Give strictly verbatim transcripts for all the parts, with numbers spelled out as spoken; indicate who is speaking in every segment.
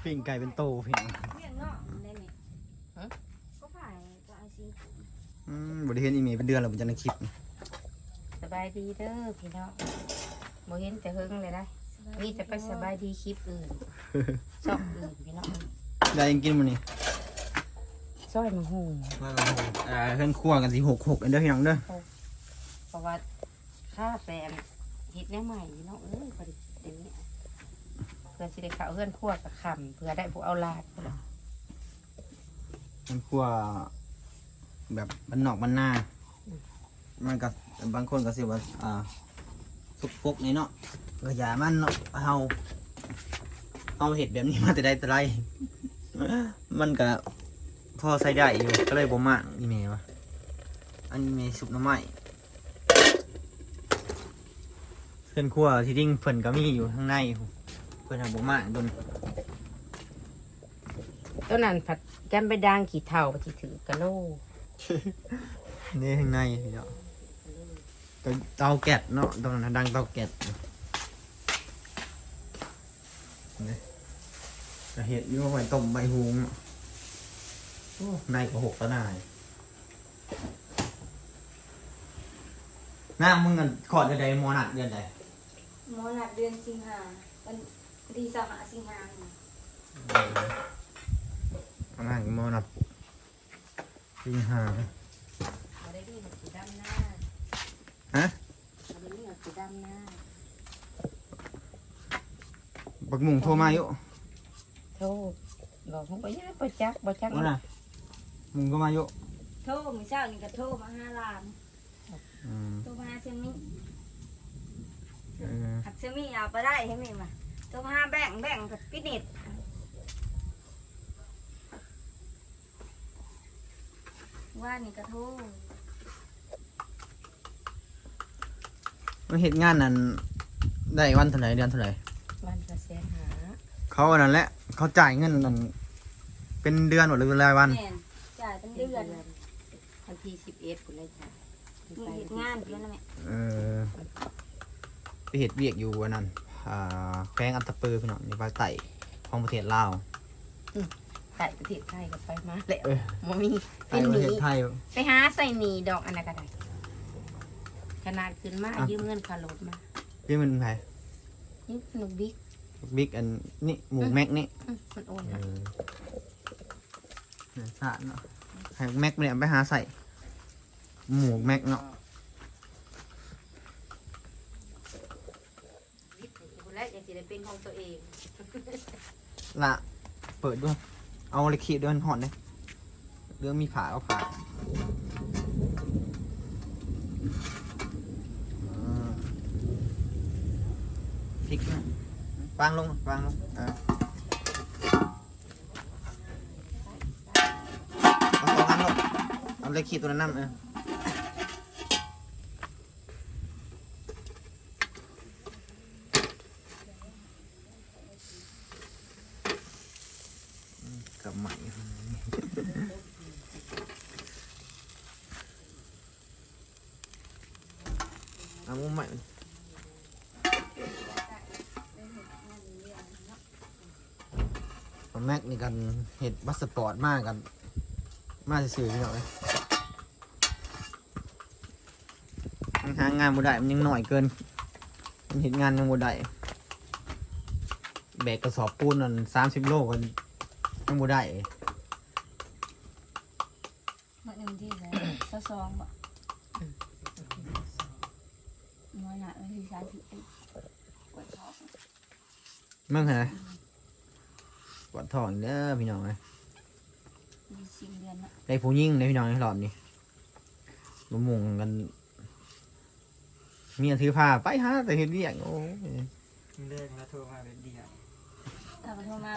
Speaker 1: ปิ้งไก่เป็นโตพี่น้อง
Speaker 2: เลี้ยงเนาะได้ไหมฮะก็ผ่านก็ไอซี
Speaker 1: อืมบริเห็นอีเมลเป็นเดือนแล้วผมจะในคลิป
Speaker 3: สบายดีเด้อพี่น้องบ่เห็นแต่เฮิงเลยนะมีแต่ไปสบายดีคลิปอื่นชอบอื่นพี่น้อง
Speaker 1: ได้ยังกินมันนี่
Speaker 3: ซอยมะฮุง
Speaker 1: มาโอ้โหอ่าเพื่อนคั่วกันสิหกหกอันเด้อพี่น้องเด้อ
Speaker 3: เพราะว่าข้าแฟนเฮ็ดแนวใหม่พี่น้องเอ้ยพอดีเดี๋ยวนี้เพื่อสิได้เข้าเฮือนครัวกับคำเพื่อได้ผู้เอาลาดเพื่
Speaker 1: อนคั่วแบบบ้านนอกบ้านนามันก็บางคนก็สิว่าอ่าสุกปกนี่เนาะกระยามันเนาะเฮาเอาเห็ดแบบนี้มาแต่ใดแต่ไรมันก็พอใส่ได้อยู่ก็เลยบ่มากอีเมลวะอันนี้เมลสุกน้ำไม้เพื่อนครัวที่ดิ้งเพิ่นก็มีอยู่ข้างในเพิ่นทำบ่มากโดน
Speaker 3: ต้นนั้นผัดแกมไปด่างขี้เถ้าไปที่ถือกะโล
Speaker 1: นี่ข้างในเนาะเตาแก๊สเนาะตรงนั้นดังเตาแก๊สนี่จะเห็ดอยู่ว่าไว้ต้มใบหูงโอ้ในก็หกตะนายน้ามึงกันขอดจะได้มอนัดเดือนใด
Speaker 2: มอนัดเดือนสิงหาวันดีสหสิงหา
Speaker 1: อันนั้นมอนัดสิงหา
Speaker 3: มาได้ดีหมดสีดำหน้า
Speaker 1: ฮะ
Speaker 3: มาได้ดีหมดสีดำหน้า
Speaker 1: บักมุงโทรมาอยู่
Speaker 3: โทรบอกผมไปย่าไปจักไปจัก
Speaker 1: ว่าน่ะมุงก็มาอยู่
Speaker 2: โทรมือเช้านี่ก็โทรมาห้าล้านโทรมาเซมิหักเซมิเอาไปได้ใช่ไหมมาโทรมาห้าแบ่งแบ่งกับพินิจว่านี่ก็โทร
Speaker 1: มันเห็นงานนั้นได้วันเท่าไหร่เดือนเท่าไหร่
Speaker 3: วันละแสนหา
Speaker 1: เขาอันนั้นแหละเขาจ่ายเงินนั่นเป็นเดือนหรือเป็นรายวัน
Speaker 2: จ่ายเป็นเดือน
Speaker 3: วันที่สิบเอ็ดคุณเลยจ้ะ
Speaker 2: มีเหตุงานเพื่อนนะแม่
Speaker 1: เออไปเหตุเวียกอยู่วันนั้นอ่าแขวงอัตตปือพี่น้องในภาคใต้ของประเทศลาว
Speaker 3: ใต้ประเทศไทยก็ไปมาแล้วมมี
Speaker 1: เป็นหนี
Speaker 3: ไปหาใส่หนีดอกอันนั้นก็ได้ขนาดขึ้นมายืมเงินคารถมา
Speaker 1: ยืมเงินใคร
Speaker 3: ยืมหนุกบิ๊ก
Speaker 1: บิ๊กอันนี่หมูแม็กนี่
Speaker 3: มันโอน
Speaker 1: เนื้อสัตว์เนาะให้แม็กเนี่ยไปหาใส่หมูแม็กเนาะ
Speaker 3: และจะสิได้เป็นของตัวเอง
Speaker 1: ละเปิดด้วยเอาเลยขีดด้วยหอนเลยเรื่องมีผ่าเอาผ่าพลิกวางลงวางลงเออเอาสองอันลงเอาเลยขีดตัวนั้นน้ำเออกับใหม่เอามุมใหม่แม็กนี่กันเห็ดบัสปอร์ตมากกันมากสื่อพี่น้องเลยหางานบุได้มันยังหน่อยเกินมันเห็นงานยังบุได้แบกกระสอบปูนนั่นสามสิบโลกันยังบุได้
Speaker 2: เมื่อหนึ่งที่แล้วเจ้าซองบ่น้อยหนาเลยที่สามสิบเอ็ดปวดท้อง
Speaker 1: มั่งไงปวดท้องเด้อพี่น้องเลยได้ผู้ยิ่งได้พี่น้องในหลอดนี่มามุงกันมีอันถือผ้าไปฮะแต่เห็นเรียกโอ้
Speaker 4: เลิกแล้วโทรมาเป็นเดียว
Speaker 2: ถ้าโทรมา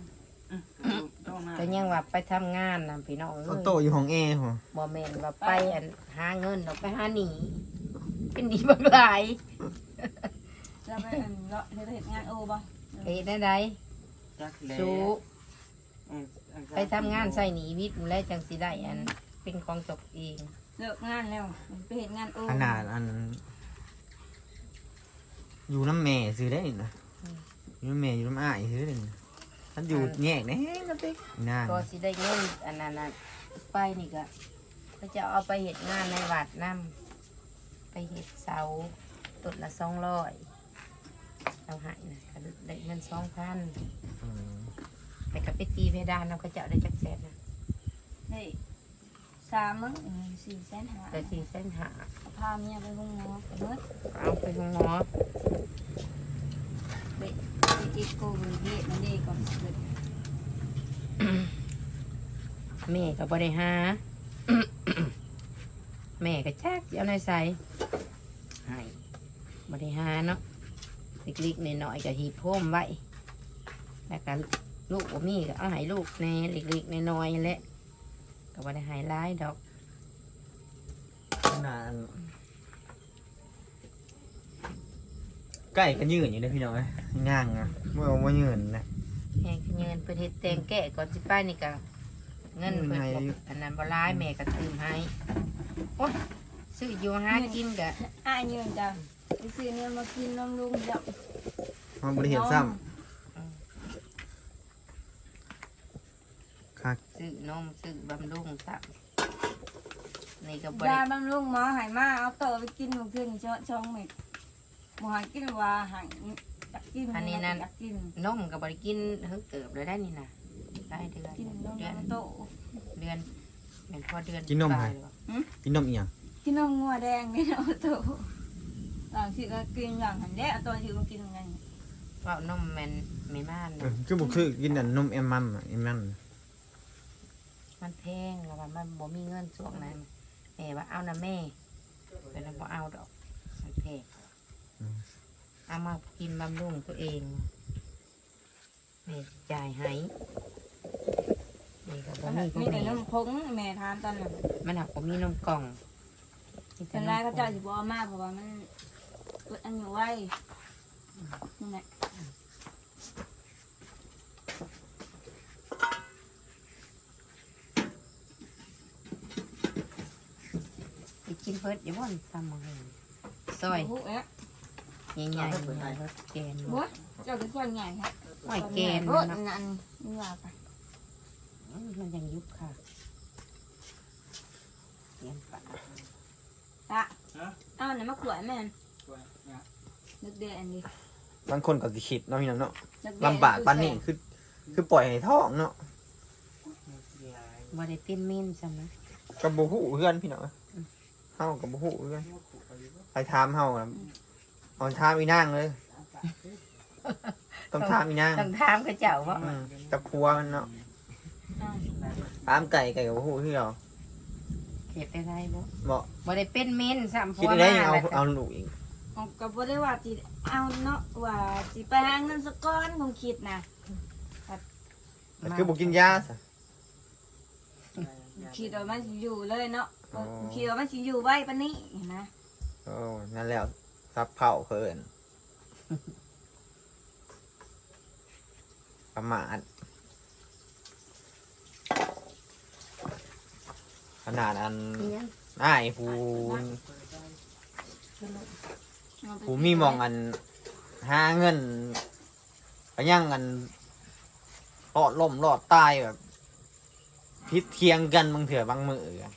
Speaker 3: ก็ยังว่าไปทำงานนะพี่น้อง
Speaker 1: เลยโตอยู่ของเอหัว
Speaker 3: บ่แม่นว่าไปหาเงินเราไปหาหนีเป็นดีบักหลาย
Speaker 2: จะไปอันเลาะเห็นงานโอ้บ่
Speaker 3: เฮ็ดได้ไดสู้ไปทำงานใส่หนีวิทย์แล้วจังสิได้อันเป็นของตกเอง
Speaker 2: เลิกงานแล้วไปเห็นงานโอ้
Speaker 1: ขนาดอันอยู่น้ำแม่ซื้อได้นะอยู่น้ำแม่อยู่น้ำอ้ายซื้อได้ท่านอยู่แยกแน่กันติ๊กนาง
Speaker 3: ก็สิได้เงินอันนั้นน่ะไปนี่ก็ก็จะเอาไปเฮ็ดงานในวัดนำไปเฮ็ดเสาต้นละสองร้อยเอาให้นะก็ได้เงินสองพัน
Speaker 1: อืม
Speaker 3: แต่ก็ไปตีเพดานเราก็จะเอาได้จักแสนนะ
Speaker 2: เฮ้ยสามมั้งเออสี่แสนหา
Speaker 3: แต่สี่แสนหา
Speaker 2: พาเมียไปห้องหมอไปเบิด
Speaker 3: เอาไปห้องหมอ
Speaker 2: ไปไปเอ็กโกวิเดมันเด็กก่อนเกิด
Speaker 3: แม่ก็บ่ได้หา แม่ก็จักสิเอาในใส่ให้บ่ได้หาเนาะเล็กๆน้อยๆก็หีบโพมไว้แล้วก็ลูกบ่มีก็เอาให้ลูกแน่เล็กๆน้อยๆแหละก็บ่ได้ให้หลายดอก
Speaker 1: นางใกล้กันยืนอยู่เลยพี่น้องเอ้ยง่างอ่ะเมื่อว่ายืนนะ
Speaker 3: แม่ก็เงินเพิ่นเฮ็ดแต่งแก้ก่อนสิไปนี่ก็เงินเพิ่นบ่อันนั้นบ่หลายแม่ก็ซื้อให้โอ้ยซื้ออยู่หากินก็
Speaker 2: อ้ายยืนจังไปซื้อเนื้อมากินน้ำลุงจับ
Speaker 1: มันบริเห็นซ้ำคัก
Speaker 3: ซื้อนมซื้อบำรุงซักนี่ก็บ
Speaker 2: ยา
Speaker 3: ริ
Speaker 2: บำรุงหมอใหายมาเอาต่อไปกินหมูขึ้นช่องช่องเม็ดหมอใหายกินว่าใหายอยากกินอยากกิน
Speaker 3: นมก็บริกินเฮิงเติบเลยได้นี่นะได้เดือน
Speaker 2: กินนม
Speaker 3: เดือน
Speaker 2: โต
Speaker 3: เดือนเป็นพอเดือน
Speaker 1: กินนม
Speaker 3: ป
Speaker 1: ไห
Speaker 3: ลา
Speaker 1: ม
Speaker 3: ยหรอ
Speaker 1: กินนมอีหยัง
Speaker 2: กินนมงัวแดงนี่นะโตหลังสิก็กินหลังหันแดเอาตอนที่มันกินไง
Speaker 3: ว่านมแมนไม่ม่าน
Speaker 1: เอ
Speaker 3: นะ
Speaker 1: อคือบุคือกินแต่นมเอ็มมันอะเอ็มมัน
Speaker 3: มันแพงแล้วว่ามันบ่มีเงินช่วงนั้นแม่ว่าเอานะแม่แต่เราบ่เอาดอกมันแพงเอามากินบำรุงตัวเองแม่จ่ายให้นี่ก็บ่มีพว
Speaker 2: มี
Speaker 3: ก
Speaker 2: แต่
Speaker 3: นี้
Speaker 2: นมผงแม่ทานตอนนั้น
Speaker 3: มันหักบ่มีนมกล่องมีแต่
Speaker 2: เป็น
Speaker 3: นม
Speaker 2: ไร
Speaker 3: กล่
Speaker 2: ก็
Speaker 3: อง
Speaker 2: เจ้าสิบอมากเพราะว่ามันอันอยู่ไว้นั่นแหละ
Speaker 3: ไปกินเพิดอย่าบ่นตำมาเลยซอย
Speaker 2: หูเอ๊ะ
Speaker 3: ใหญ่ๆใหญ่รถแกน
Speaker 2: หัวเจ้าเป็นคนใหญ่ครับ
Speaker 3: หอยแกน
Speaker 2: รถ
Speaker 3: เนาะ
Speaker 2: นั่นนี่ว่าไป
Speaker 3: อืมมันยังยุบค่ะเกียนปะ
Speaker 2: ตะเอาไหนมาขวดแม่นนึกเดอันนี้
Speaker 1: บางคนก็สิคิดเนาะพี่น้องเนาะ
Speaker 2: นึกเด
Speaker 1: ลำบากปานนี้คือ คือปล่อยให้ท้องเนาะ
Speaker 3: บ่ได้เป็นเม่นใช่ไหม
Speaker 1: กับบ่ฮู้เพื่อนพี่น้องเฮากับบ่ฮู้เพื่อนไปถามเฮาอะเอาถามอีนางเลย ต้องถามอีนาง
Speaker 3: ต้องถามเขาเจ้าว่า
Speaker 1: อืมกับครัวมันเนาะ
Speaker 2: อ่า
Speaker 1: ถามไก่ไก่กับบ่ฮู้คือเอา
Speaker 3: เก็บไปได้บ่
Speaker 1: บ่
Speaker 3: บ่ได้เป็นเม่นซ้ำ
Speaker 1: คิดได้ยังเอาเอาลูกอีก
Speaker 2: เอาก็บ่ได้ว่าสิเอาเนาะว่าสิไปหาเงินสักก้อนคงคิดนะ
Speaker 1: แต่คือบ่กินยาซะ
Speaker 2: คิดว่ามันสิอยู่เลยเนาะ
Speaker 1: อ๋อ
Speaker 2: คิดว่ามันสิอยู่ไว้ปานนี้เห็นนะ
Speaker 1: โอ้นั่นแล้วซับเผาเพิ่นประมาทขนาดอัน
Speaker 3: เนี่ย
Speaker 1: อ้ายผู้ผู้มีหมองอันหาเงินก็ยังอันรอดล่มรอดตายแบบพิษเทียงกันบางเถื่อบางมือกัน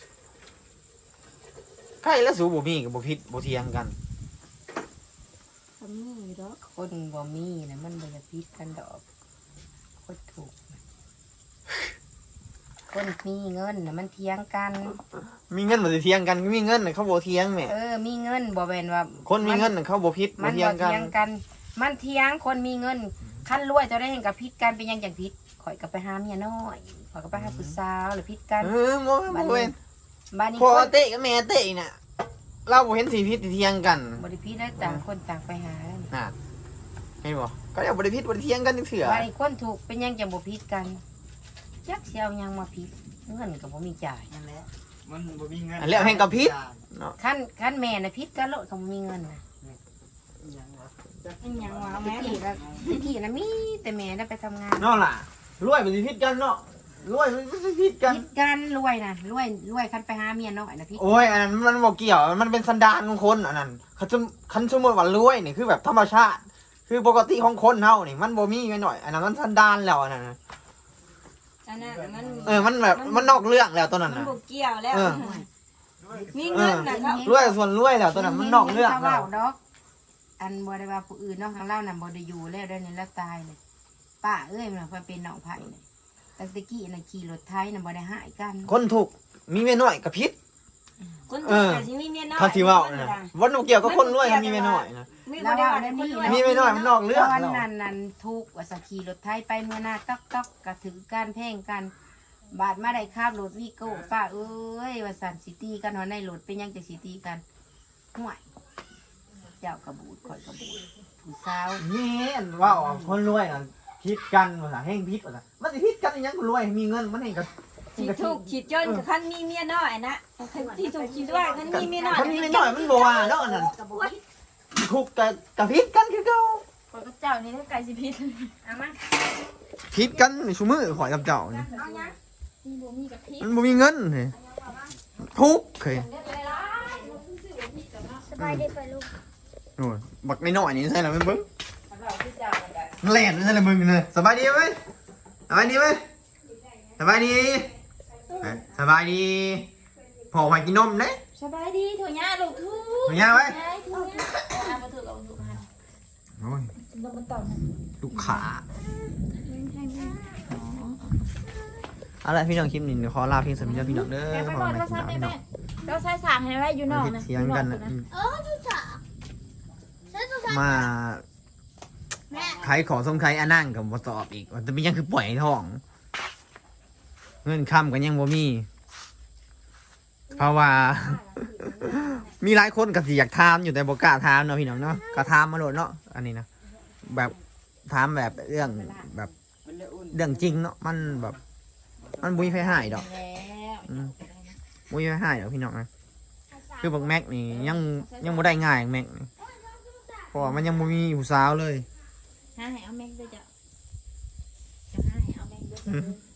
Speaker 1: ใครแล้วสูบ่มีกับบ่พิษบ่เทียงกัน
Speaker 2: ทำนี่เด้อ
Speaker 3: คนบ่มีนะมันบ่อยากพิษกันดอกคนถูกนะคนมีเงินนะมันเทียงกัน
Speaker 1: มีเงินบ่สิเทียงกันมีเงินน่ะเขาบ่เทียงแหม่
Speaker 3: เออ มีเงินบ่แม่นว่า
Speaker 1: คนมีเงินน่ะเขาบ่พิษ
Speaker 3: มั
Speaker 1: บ่
Speaker 3: น
Speaker 1: เทีย
Speaker 3: บ่
Speaker 1: งกัน
Speaker 3: เทียงกัน มันเทียงคนมีเงินขั้นรวยจะได้เห็นกับพิษกันเป็นหยังจังพิษข่อยก็ไปหาเมียน้อยข่อยก็ไปหาผู้สาวหรือพิษกัน
Speaker 1: เออบ่บ่เว้น
Speaker 3: บ้านนี้
Speaker 1: พ่อ
Speaker 3: คน
Speaker 1: เตะกับแม่เตะน่ะเราบ่เห็นสิพิษสิเทียงกัน
Speaker 3: บริพิษได้ต่างคนต่างไปหา
Speaker 1: น่ะเห็นบ่ก็เรียกบ่ได้พิษบ่ได้เทียงกันจังเถื่อ
Speaker 3: บ้านนี้คนถูกเป็นหยังจังบ่พิษกันจักเสียวยังมาพิษเงินก็บ่มีจ่าย
Speaker 4: นั่นแหละมันบ่มีเงิน
Speaker 1: อันแล้วแห่งกับพิษเนาะ
Speaker 3: ขั้นขั้นแม่น่ะพิษกันโลดก็บ่มีเงินน่ะ
Speaker 4: ยังวะ
Speaker 2: อันหยังว่า
Speaker 3: ตะ
Speaker 2: แม่
Speaker 3: กี้ก็ตะกี้น่ะมีแต่แม่ได้ไปทำงาน
Speaker 1: เนาะล่ะรวยบ่สิพิษกันเนาะรวยมันสิพิษกัน
Speaker 3: พิษกันรวยน่ะรวยรวยคันไปหาเมียน้อยน่ะพิษ
Speaker 1: โอ้ยอันนั้นมันบอกเกี่ยว มันเป็นสันดานของคนอันนั้นเขาจะคันสมมติว่ารวยนี่คือแบบธรรมชาติ คือคือปกติของคนเฮานี่มันบ่มีไว้หน่อยอันนั้นมันสันดานแล้วอันนั้นน่ะ
Speaker 2: อันนั้นมัน
Speaker 1: เออมันแบบมันนอกเรื่องแล้วตัวนั้น
Speaker 2: มัน
Speaker 1: น่ะ
Speaker 2: บ่เกี่ยวแล้ว
Speaker 1: เออ
Speaker 2: มีเงินน่ะครับ
Speaker 1: รวยส่วนรวยแล้วตัวนั้นมันนอกเรื่อง
Speaker 3: เขา
Speaker 1: แล้
Speaker 3: เว้าว ดอกอันบ่ได้ว่าผู้อื่นเนาะทางเราน่ะบ่ได้อยู่แล้วได้นี่แล้วตายเลยป้าเอ้ยมันน่ะเป็นน้องไผนี่ตั้งแต่กี้น่ะขี่รถไถน่ะบ่ได้หายกัน
Speaker 1: คนถูกมีเมียน้อยกับพิษ
Speaker 2: คน
Speaker 1: เอ
Speaker 2: ที่
Speaker 1: อ
Speaker 2: แต่สิมีเมียน้อย
Speaker 1: เขาที่เว้านะวันบ่เกี่ยวกับคนรวยกับมีเมียน้อยนะ
Speaker 2: มีบ่ได้ว่าได้คนรวย
Speaker 1: มีเมียน้อยมันนอกเรื่อง
Speaker 3: ตอน
Speaker 1: แล้ว
Speaker 3: นั้นนั้นทุกข์ว่าสักขี่รถไถไปเมื่อหน้าต๊อกต๊อกก็ถือการแพ่งกัน บาดมาได้คาบรถวีโก้ป้าเอ้ยว่าสันสิตีกันเนาะในรถเป็นยังจะสิตีกันห่วยเจ้ากระบูดข่อยกระบูดผู้สาว
Speaker 1: นี่เว่าคนรวยน่ะพิษกันว่าซั่นแห่งพิษว่าซั่นมันสิพิษกันอีหยังคนรวยมีเงินมันเองก็
Speaker 2: สิถูกสิจนกับคันมีเมียน้อยนะคันที่ถูกสิด้วยคันมีเมียน้อย
Speaker 1: คนมีเมียน้อยมันบ่ว่าดอกอันนั้นถูกกับกับพิษกันคือเก่า
Speaker 3: ข่อยกับเจ้านี่ได้ไก่สิพิษเอามา
Speaker 1: พิษกันในชุมือข่อยกับเจ้านี่
Speaker 2: เอาหยัง
Speaker 3: มีบ่มีกับพิษ
Speaker 1: มันบ่มีเงินนี่ทุกข์เคย
Speaker 5: สบายดีไปลูก
Speaker 1: โอ้ยบักน้อยๆนี่ใช่แล้วมันเบิ่ง
Speaker 3: เราที่เจ้ามันก็
Speaker 1: แล่นใช่แล้วมึงนี่สบายดีมั้ยสบายดีมั้ยสบายดีเอ้ยสบายดีพอไปกินนมเด้
Speaker 3: สบายดีถั่วหญ้าลูกทุก
Speaker 1: ถูกยังไว้
Speaker 3: ยายถั่วหญ้าเอามาถูกเอามาถูกมา
Speaker 1: โอ้ย
Speaker 3: ลงมาต่อนะ
Speaker 1: ลูกขาเอาละพี่น้องคลิปนี้เดี๋ยวขอลาเพียงสำหรับพี่น้องเด้อ
Speaker 3: แม่ไป
Speaker 1: ข
Speaker 3: บ
Speaker 1: อ
Speaker 3: อก
Speaker 1: ให้
Speaker 3: โทรศั
Speaker 1: พี่
Speaker 3: พท์
Speaker 1: น้
Speaker 3: แม่
Speaker 1: อง
Speaker 3: แม่เราใช้สากให้ไว้อยู่นอก
Speaker 1: เฮ็ด
Speaker 3: นะ
Speaker 1: เสียงกันนะ
Speaker 5: เออทุกสาวฉันจะใส่
Speaker 1: มา
Speaker 5: แม่
Speaker 1: ขายของสงขายอันนั่งกับบ่ตอบอีกว่าจะเป็นยังคือปล่อยให้ท้อง เงินค้ำกันยังบ่มี เพราะว่า มีหลายคนก็สิอยากถามอยู่แต่บ่กล้าถามเนาะพี่น้องเนาะก็ถามมาโลดเนาะอันนี้นะแบบถามแบบเรื่องแบบเรื่องจริงเนาะมันแบบ มันบุยไฟหายดอก
Speaker 3: แล้ว
Speaker 1: อืมบุยไฟหายดอกพี่น้องนะคือบักแม็กนี่ยังยังบ่ได้ง่ายแม็กนี่เพราะว่ามันยังบ่มีผู้สาวเลย
Speaker 3: หาให้เอาแม่งด้วยจ้ะจะหาให้เอาแม่งด้วย